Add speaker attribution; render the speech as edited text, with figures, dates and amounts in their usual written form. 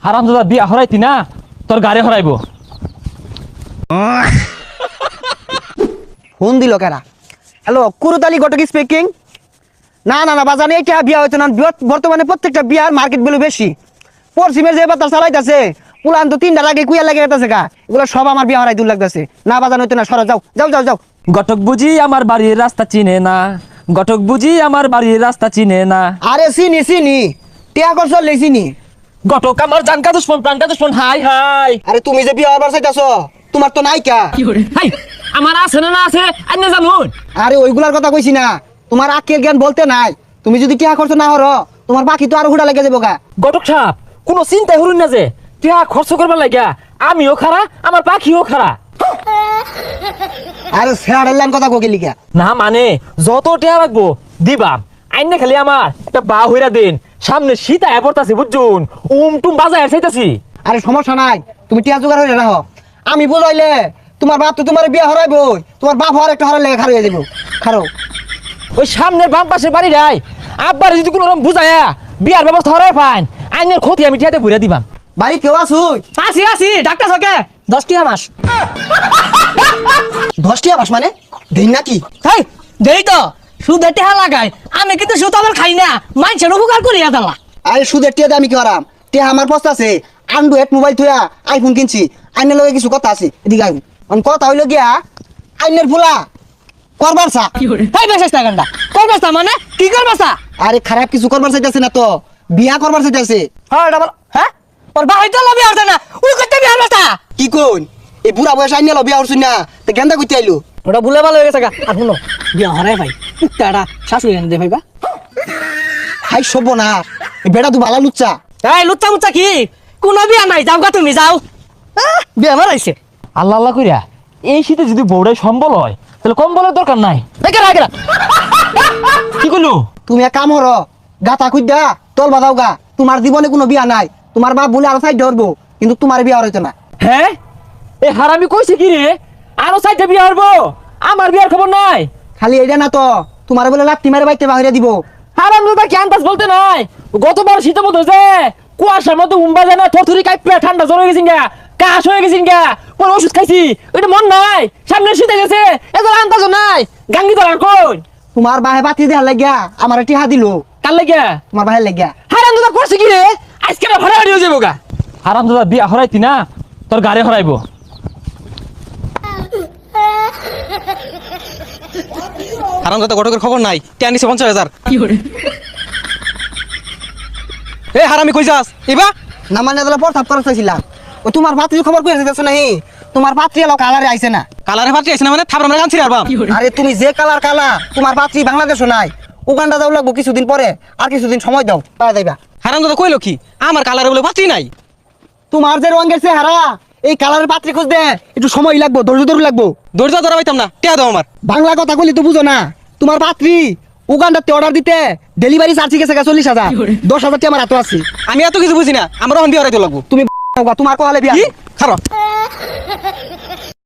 Speaker 1: হারামজাদা বিয়া হরাইতি না তোর গাড়ি হরাইব।
Speaker 2: ফোন দিল কেরা? Hello, Kurutali Ghatak speaking. না না না বাজানে এটা বিয়া হইতো না। বর্তমানে প্রত্যেকটা বিয়ার মার্কেট ভ্যালু বেশি। পশ্চিমের যে বাতাস চালাইতেছে উলান তো 3টার আগে কুইয়া লাগে গেছে গা, এগুলো সব আমার বিয়া হরাই দূর লাগতেছে। না বাজানো হইতো না, সরা যাও যাও যাও যাও।
Speaker 1: ঘটক বুঝি আমার বাড়ির রাস্তা চিনে না, ঘটক বুঝি আমার বাড়ির রাস্তা চিনে না।
Speaker 2: আরে চিনি চিনি, টিয়া কর চললে চিনি।
Speaker 1: ঘটক আমার জানকা দুশ্মন প্রাণকা দুশ্মন। হাই হাই
Speaker 2: আরে তুমি যে বিয়া হবার চাইতাছ তোমার তো নাই কা।
Speaker 1: হাই, আমার আছে না আছে আইনে জানুন।
Speaker 2: আরে ওইগুলার কথা কইছি না, তোমার আক্কেল জ্ঞান বলতে নাই। তুমি যদি টিয়া খরচ না হরো তোমার বাকি তো আরো হুড়া লেগে যাবো গা।
Speaker 1: ঘটক সাহেব কোনো চিন্তাই হরুন না যে টিয়া খরচ করবার লাগিয়া আমিও খারা আমার পাখিও খারা।
Speaker 2: আরে স্যারের লাইন কথা কোকে লিখা।
Speaker 1: না মানে যত টিয়া রাখবো দিবাম, আইনে খালি আমার একটা বা হইরা দিন। সামনে শীত আয়া পড়তাছি বুঝছুন, টুম বাজায় চাইতাছি।
Speaker 2: আরে সমস্যা নাই, তুমি টিয়া জোগাড় হয়ে রাখো। আমি বুঝাইলে তোমার বাপ তো তোমার বিয়ে হরাইবো, তোমার বাপ হওয়ার একটা হরার লেগে খারো হয়ে যাবো। খারো
Speaker 1: ওই সামনের বাম পাশের বাড়ি রাই আব্বার যদি কোনো রকম বুঝায়া বিয়ার ব্যবস্থা হরাই পান, আইনের ক্ষতি আমি টিয়াতে ভরে দিবাম।
Speaker 2: বাড়ি কেউ আসুই?
Speaker 1: আসি আসি ডাক্তার সকে 10টি মাস।
Speaker 2: 10টি মাস মানে দিন নাকি?
Speaker 3: তাই দেই তো সুদের টেহা লাগাই, আমি কিন্তু সুদ আবার খাই না, মানুষের উপকার করিয়া দালা।
Speaker 2: আরে সুদের টিয়াতে আমি কি করাম? টিয়া আমার পস্তা আছে, অ্যান্ড্রয়েড মোবাইল থুয়া আইফোন কিনছি। আইনের লগে কিছু কথা আছে, এদিকে আইন। কথা হইলো গিয়া আইনের ফুলা করবার চা।
Speaker 3: তাই বেশ টাকাটা করবাসা মানে কি করবাসা?
Speaker 2: আরে খারাপ কিছু করবার চাইতেছে না তো, বিয়া করবার চাইতেছে।
Speaker 3: হ্যাঁ ডাবল হ্যাঁ ওর ভাই তো লবি আসে না, ওই করতে বিয়ার বাসা।
Speaker 2: কি কোন এই বুড়া বয়স আইন বিয়া হরছুন না, তো গেন্দা করতে আইলো।
Speaker 3: ওটা ভুলে ভালো হয়ে গেছে গা। আর শুনো বিয়া হরাই ভাই কুত্তাটা শাশুড়ি এনে দে ভাইবা।
Speaker 2: হাই সব না, বেড়া তো ভালো লুচ্চা।
Speaker 3: এই লুচ্চা মুচ্চা কি কোনো বিয়া নাই, যাও গা তুমি যাও। বিয়া মারাইছে
Speaker 1: আল্লাহ আল্লাহ কইরা এই শীতে যদি বউড়াই সম্বল হয় তাহলে কম্বলের দরকার নাই। কি করলো?
Speaker 2: তুমি এক কাম হর, গাতা খুঁজা তল বাঁধাও গা। তোমার জীবনে কোনো বিয়া নাই, তোমার বাপ বলে আরো সাইড ধরবো, কিন্তু তোমার বিয়া হইতো না।
Speaker 1: হ্যাঁ এ হারামি কইছে কি রে? আরো 4টা বিয়া হবো, আমার বিয়ার খবর নাই।
Speaker 2: খালি এইটা না তো, তোমার বলে লাঠি মেরে বাইতে বাহিরে দিব।
Speaker 1: হারাম দাদা কি আন্দাজ বলতে নাই? গতবার শীতের মধ্যে যে কুয়াশার মধ্যে উম্বা যায় না, থরথরি কাঁপে ঠান্ডা জ্বর হয়ে গেছিন গা, কাশ হয়ে গেছিন গা, পরে ওষুধ খাইছি, ওইটা মন নাই। সামনে শীতে গেছে এত আন্দাজ নাই। গাঙ্গি ধরার কই
Speaker 2: তোমার বাহে বাতি দেওয়ার লাগিয়া আমার টিহা দিল।
Speaker 1: কার লাগিয়া?
Speaker 2: তোমার বাহের লাগিয়া।
Speaker 1: হারাম দাদা করছে কি রে? আজকে না ভাড়া হয়ে যাবো গা। হারাম দাদা বিয়া হরাইতি না তোর গাড়ি হরাইব।
Speaker 4: হারামজাদা ঘটকের খবর নাই, টিয়া নিছে 50,000। এ হারামি কই যাস ইবা?
Speaker 2: না মানে তাহলে প্রস্তাব করা চাইছিলাম। ও তোমার পাত্রী খবর কই আছে নাহি? তোমার পাত্রী এলো কালারে আইছে না।
Speaker 4: কালারে ফাটি আইছে না মানে থাপড়া মেরে কানছিস আর বাপ।
Speaker 2: আরে তুমি যে কালার কালা, তোমার পাত্রী বাংলাদেশও নাই, উগান্ডা যাও লাগবো কিছুদিন পরে। আর কিছুদিন সময় দাও, পাওয়া যাইবা।
Speaker 4: হারামজাদা কইলো কি আমার কালারে বলে ফাটি নাই?
Speaker 2: তোমার যে রঙের চেহারা, এই কালারের পাত্রী খুঁজতে একটু সময় লাগবো, ধৈর্য লাগবো।
Speaker 4: দরজা ধরা পাইতাম না, টিয়া দাও আমার।
Speaker 2: বাংলা কথা কইলে তো বুঝো না। তোমার পাত্রী উগান্ডাতে অর্ডার দিতে ডেলিভারি চার্জ গেছে 40,000, 10,000 টি আমার হাতে আছে।
Speaker 4: আমি এত কিছু বুঝি না, আমার এখন বিয়ে হরাইতে লাগবো।
Speaker 2: তুমি তোমার কহালে বিয়া।
Speaker 4: কি খারাপ